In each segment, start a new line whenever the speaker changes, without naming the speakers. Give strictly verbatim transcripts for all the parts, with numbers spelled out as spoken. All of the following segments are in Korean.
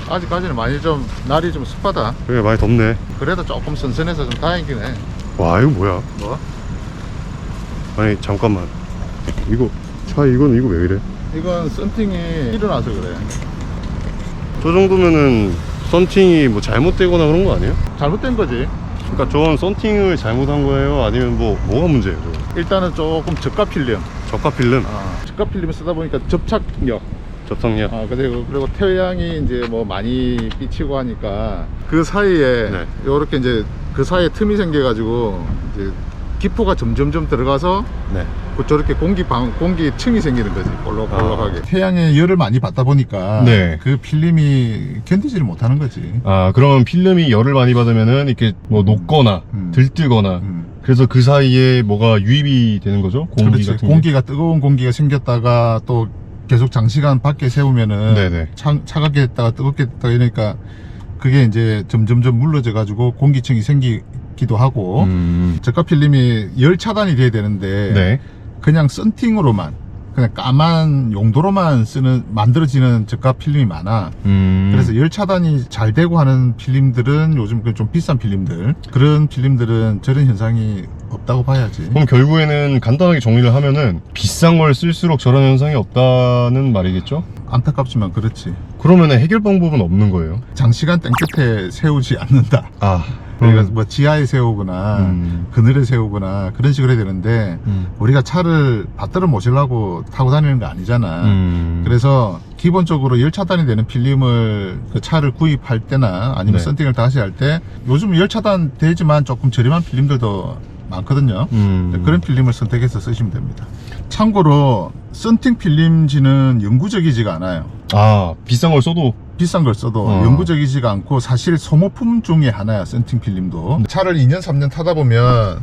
아직까지는 많이 좀 날이 좀 습하다.
그래 많이 덥네.
그래도 조금 선선해서 좀 다행이긴 해.
와 이거 뭐야?
뭐?
아니 잠깐만, 이거 차 이건 이거 왜 이래?
이건 썬팅이 일어나서 그래.
저 정도면은 썬팅이 뭐 잘못되거나 그런 거 아니에요?
잘못된 거지.
그러니까 저건 썬팅을 잘못한 거예요? 아니면 뭐 뭐가 문제예요? 저거?
일단은 조금 저가 필름.
저가 필름,
아, 저가 필름을 쓰다 보니까 접착력.
접착력.
아, 그리고 그리고 태양이 이제 뭐 많이 비치고 하니까 그 사이에
네.
요렇게 이제 그 사이에 틈이 생겨가지고 이제 기포가 점점점 들어가서
네.
그 저렇게 공기 방 공기층이 생기는 거지. 볼록볼록하게. 아. 태양의 열을 많이 받다 보니까
네.
그 필름이 견디지를 못하는 거지.
아 그러면 필름이 열을 많이 받으면은 이렇게 뭐 녹거나
음.
들뜨거나
음.
그래서 그 사이에 뭐가 유입이 되는 거죠? 공기
그렇지.
같은 게?
공기가 뜨거운 공기가 생겼다가 또 계속 장시간 밖에 세우면은
네네.
차, 차갑게 했다가 뜨겁게 했다가 이러니까 그게 이제 점점점 물러져 가지고 공기층이 생기기도 하고
음.
저가 필름이 열 차단이 돼야 되는데
네.
그냥 썬팅으로만 그냥 까만 용도로만 쓰는 만들어지는 저가 필름이 많아.
음.
그래서 열 차단이 잘 되고 하는 필름들은 요즘 그 좀 비싼 필름들, 그런 필름들은 저런 현상이 없다고 봐야지.
그럼 결국에는 간단하게 정리를 하면은 비싼 걸 쓸수록 저런 현상이 없다는 말이겠죠?
안타깝지만 그렇지.
그러면은 해결 방법은 없는 거예요?
장시간 땡볕에 세우지 않는다.
아
그러니까 뭐 지하에 세우거나
음.
그늘에 세우거나 그런 식으로 해야 되는데
음.
우리가 차를 받들어 모시려고 타고 다니는 거 아니잖아.
음.
그래서 기본적으로 열 차단이 되는 필름을 그 차를 구입할 때나 아니면
네.
썬팅을 다시 할 때 요즘 열 차단 되지만 조금 저렴한 필름들도 많거든요.
음.
그런 필름을 선택해서 쓰시면 됩니다. 참고로 썬팅 필름지는 영구적이지가 않아요.
아 비싼 걸 써도
비싼 걸 써도
어.
영구적이지가 않고 사실 소모품 중에 하나야, 썬팅 필름도. 차를 이 년 삼 년 타다 보면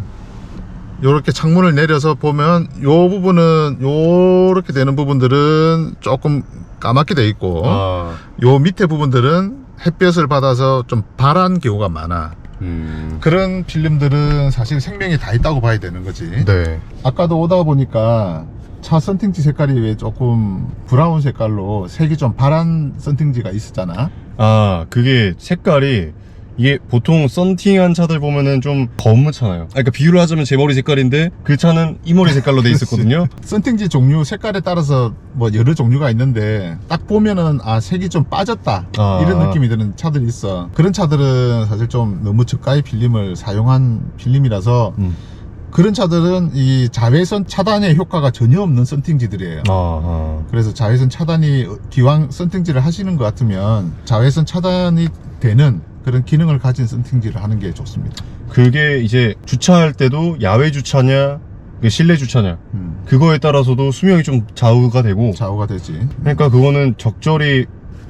요렇게 창문을 내려서 보면 요 부분은 요렇게 되는 부분들은 조금 까맣게 돼 있고
아.
요 밑에 부분들은 햇볕을 받아서 좀 발한 경우가 많아.
음.
그런 필름들은 사실 생명이 다 있다고 봐야 되는 거지.
네.
아까도 오다 보니까 차 썬팅지 색깔이 왜 조금 브라운 색깔로 색이 좀 바란 썬팅지가 있었잖아.
아 그게 색깔이 이게 보통 썬팅한 차들 보면은 좀 검잖아요. 아, 그러니까 비유를 하자면 제 머리 색깔인데 그 차는 이 머리 색깔로 돼 있었거든요.
썬팅지 종류 색깔에 따라서 뭐 여러 종류가 있는데 딱 보면은 아 색이 좀 빠졌다
아.
이런 느낌이 드는 차들이 있어. 그런 차들은 사실 좀 너무 저가의 필름을 사용한 필름이라서
음.
그런 차들은 이 자외선 차단의 효과가 전혀 없는 썬팅지들이에요.
아, 아.
그래서 자외선 차단이 기왕 썬팅지를 하시는 것 같으면 자외선 차단이 되는 그런 기능을 가진 썬팅지를 하는 게 좋습니다.
그게 이제 주차할 때도 야외 주차냐 실내 주차냐
음,
그거에 따라서도 수명이 좀 좌우가 되고,
좌우가 되지.
그러니까 그거는 적절히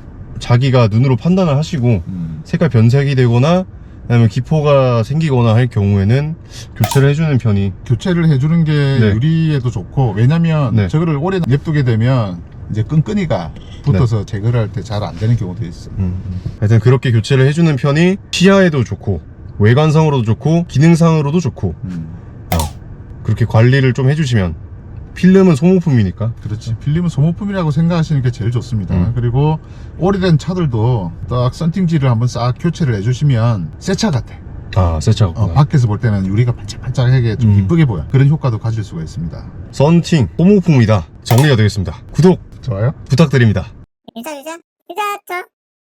자기가 눈으로 판단을 하시고
음.
색깔 변색이 되거나 아니면 기포가 생기거나 할 경우에는 교체를 해주는 편이.
교체를 해주는 게
네.
유리에도 좋고, 왜냐면
네.
저거를 오래 냅두게 되면 이제 끈끈이가 붙어서 제거를 할 때 잘 안 되는 경우도 있어.
음. 하여튼 그렇게 교체를 해주는 편이 시야에도 좋고 외관상으로도 좋고 기능상으로도 좋고
음.
어. 그렇게 관리를 좀 해주시면. 필름은 소모품이니까.
그렇지. 필름은 소모품이라고 생각하시는 게 제일 좋습니다.
음.
그리고 오래된 차들도 딱 썬팅지를 한번 싹 교체를 해주시면 새 차 같아.
아 새 차구나.
어, 밖에서 볼 때는 유리가 반짝반짝하게 좀
음.
이쁘게 보여. 그런 효과도 가질 수가 있습니다.
썬팅 소모품이다 정리가 되겠습니다. 구독
좋아요?
부탁드립니다.
유자 유자 유자 저